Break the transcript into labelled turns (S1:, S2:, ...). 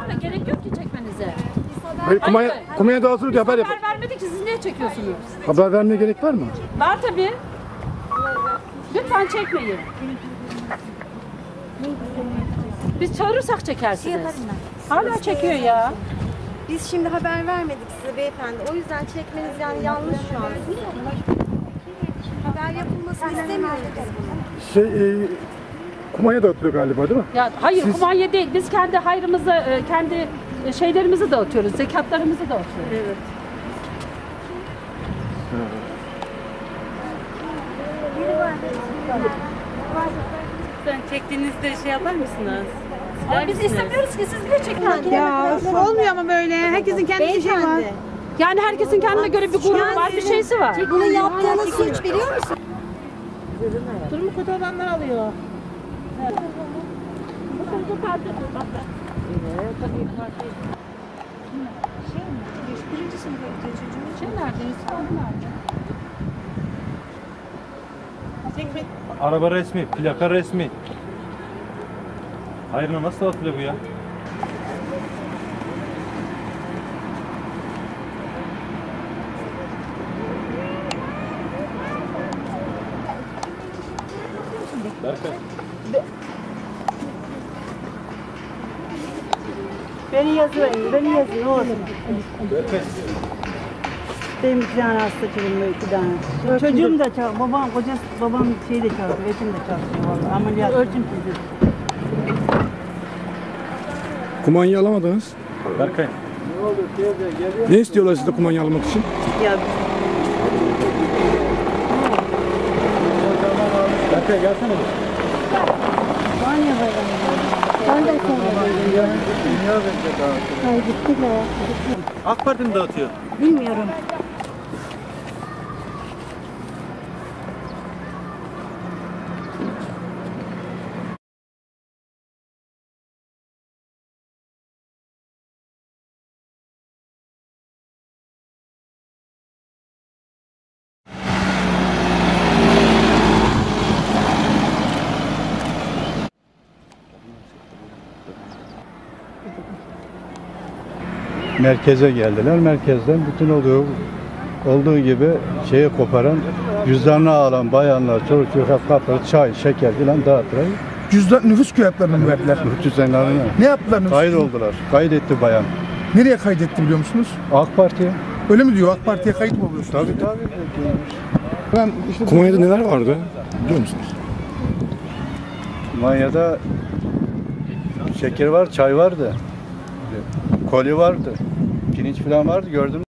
S1: verme, gerek yok ki çekmenize.
S2: Kumanya dağıtılır diye haber
S1: Haber vermedik ki, siz niye çekiyorsunuz?
S2: Haber vermeye gerek var mı?
S1: Var tabii. Lütfen çekmeyin. Biz çağırırsak çekersiniz. Hala çekiyor ya.
S3: Biz şimdi haber vermedik size beyefendi. O yüzden çekmeniz yani yanlış şu an. Haber yapılmasını istemiyoruz biz bunu.
S2: Kumanya dağıtılıyor galiba değil mi?
S1: Ya hayır, kumanya değil. Biz kendi hayrımızı, kendi şeylerimizi dağıtıyoruz. Zekatlarımızı dağıtıyoruz. Evet.
S4: Sen çektiğinizde şey yapar mısınız?
S1: Ama biz istemiyoruz ki, siz niye çekiyorsunuz?
S4: Ya olmuyor ama böyle. Herkesin kendi bir şey var.
S3: Beyefendi,
S1: Yani herkesin kendine göre bir gururu var, bir şeysi var.
S3: bunu yaptığınız suç biliyor musun?
S4: Durumu kötü olanlar alıyor.
S5: Araba resmi, plaka resmi. Hayır, nasıl atılıyor bu ya? Berkay.
S4: Beni yazıyor, beni yazıyor. Ne olsun?
S5: Berkay.
S4: Benim iki tane hasta çocuğum, iki tane. Çocuğum da çalışıyor, babam şeyi de çalışıyor, eşim de çalışıyor vallahi. Ameliyat. Ölçüm sizi.
S2: Kumanyayı alamadınız.
S5: Berkay.
S2: Ne istiyorlar size kumanya almak için?
S4: Ya
S5: Berkay gelsene bir. AK Parti mi dağıtıyor?
S4: bilmiyorum.
S6: Merkeze geldiler. Merkezden bütün olduğu gibi şeyi koparan, cüzdanını alan bayanlar, çocuk çocuk kapları, çay, şeker filan dağıttılar.
S2: Cüzdan nüfus kağıtlarını mı verdiler?
S6: Cüzdanlarını
S2: Ne yaptılar nüfus?
S6: kayıt oldular. Kaydetti bayan.
S2: Nereye kaydetti biliyor musunuz?
S6: AK Parti.
S2: Öyle mi diyor? AK Parti'ye kayıt mı oluyorsunuz?
S6: Tabii.
S2: Ben işte kumanyada neler vardı biliyor musunuz?
S6: Manya'da şeker var, çay vardı. Koli vardı. Pirinç filan vardı, gördüm.